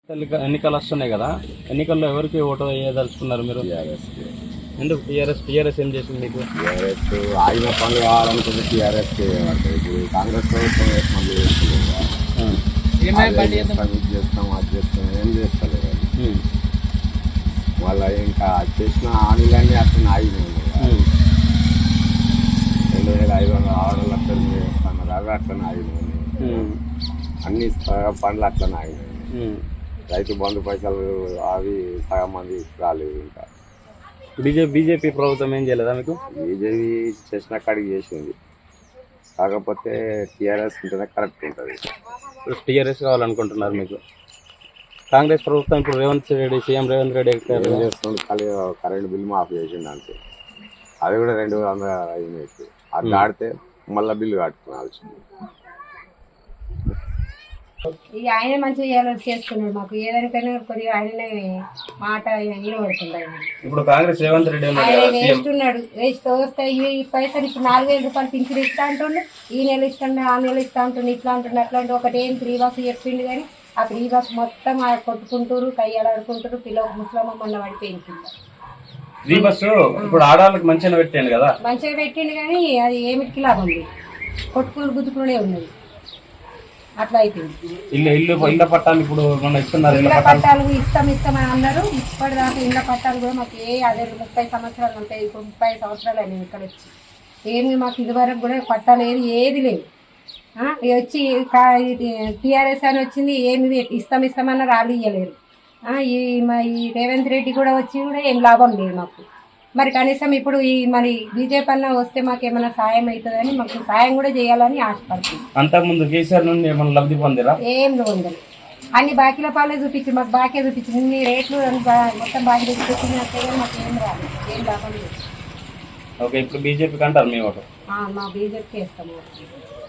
ఎన్నికలు వస్తున్నాయి కదా, ఎన్నికల్లో ఎవరికి ఓటు వేయదలుచుకున్నారు మీరు? టీఆర్ఎస్కి. ఎందుకు టీఆర్ఎస్ ఏం చేసింది మీకు? టీఆర్ఎస్ ఆగిన పనులు కావాలనుకుంటే టీఆర్ఎస్కి పడతాయి. ఇప్పుడు కాంగ్రెస్ ప్రభుత్వం పనులు చేస్తుంది కదా. అది చేస్తాం, ఇది చేస్తాం, అది చేస్తాం, ఏం చేస్తలేదు. వాళ్ళ ఇంకా చేసిన హామీలన్నీ అట్లా ఆగినాయి. 2500 6 లక్షలు చేస్తున్నారు, అవి అట్లా ఆగినాయి. అన్ని పనులు అట్లా ఆగినాయి. రైతు బంధు పైసలు అవి సగం మంది రాలేదు. ఇంకా బీజేపీ ప్రభుత్వం ఏం చేయలేదా మీకు? బీజేపీ చేసిన కాడికి చేసింది, కాకపోతే టీఆర్ఎస్ ఉంటేనే కరెక్ట్ ఉంటుంది. టీఆర్ఎస్ కావాలనుకుంటున్నారు మీకు? కాంగ్రెస్ ప్రభుత్వం ఇప్పుడు సీఎం రేవంత్ రెడ్డి ఏం చేస్తుంది? కరెంట్ బిల్ మాఫ్ చేసిండు అంతే. అది కూడా 200 అయినట్టు. అది దాడితే మళ్ళీ బిల్లు కట్టుకోవాల్సింది. ఇక ఆయన మంచిగా చేసుకున్నాడు. మాకు ఏదానికైనా కొద్దిగా ఆయననే మాట వినబడుతుంది. ఆయన ఇప్పుడు కాంగ్రెస్ రేవంత్ రెడ్డి ఆయన వేస్తున్నాడు, వస్తే ఈ పైసలు ఇప్పుడు 4000 రూపాయలు పింఛన్ ఇస్తా అంటుండే, ఈ నెల ఇస్తుండే, ఆ నెల ఇస్తా అంటుండే, ఇట్లా అంటుండే, అట్లాంటి ఒకటి ఏం 3 బస్సు చెప్పిండు. కానీ ఆ 3 బస్సు మొత్తం కొట్టుకుంటారు, కయ్యాలాడుకుంటారు. పిల్లలకు ముసలమ్మ మొన్న పడిపోయింది. 3 బస్సు ఇప్పుడు ఆడవాళ్ళకి మంచిగా పెట్టాను కదా, మంచిగా పెట్టిండు. కానీ అది ఏమిటికి లాభం ఉంది, కొట్టుకుని గుద్దుకునే ఉన్నది. అట్లా అయిపోయింది. ఇళ్ళ పట్టాలు ఇప్పుడు మన ఇస్తున్నారు. ఇళ్ళ పట్టాలు ఇస్తామని అన్నారు. ఇప్పటిదాకా ఇళ్ళ పట్టాలు కూడా మాకు అదే 30 సంవత్సరాలు ఉంటాయి. ఇప్పుడు 30 సంవత్సరాలు అయినాయి ఇక్కడ వచ్చి. ఏమి మాకు ఇదివరకు కూడా పట్టాలు ఏది లేదు. వచ్చి టీఆర్ఎస్ అని వచ్చింది, ఏమి ఇస్తామన్నారు, వాళ్ళు ఇవ్వలేరు. ఈ రేవంత్ రెడ్డి కూడా వచ్చి కూడా ఏం లాభం లేదు మాకు. మరి కనీసం ఇప్పుడు మరి బీజేపీ అన్న వస్తే మాకు ఏమైనా సాయం అవుతుందని, మాకు సాయం కూడా చేయాలని ఆశపడుతుంది. అంతకుముందు కేసీఆర్ నుండి ఏమైనా లబ్ధి పొందిరా? ఏం పొందరు. అన్ని బాకీల పాలే చూపించి మాకు బాకీ చూపించింది. ఇన్ని రేట్లు మొత్తం బాకీ చూపించింది. అంతే కానీ మాకు ఏం రాదు, ఏం లాభం లేదు. ఓకే, ఇప్పుడు బీజేపీకి అంటారు మీ ఓటు? మా బీజేపీకి వేస్తాము.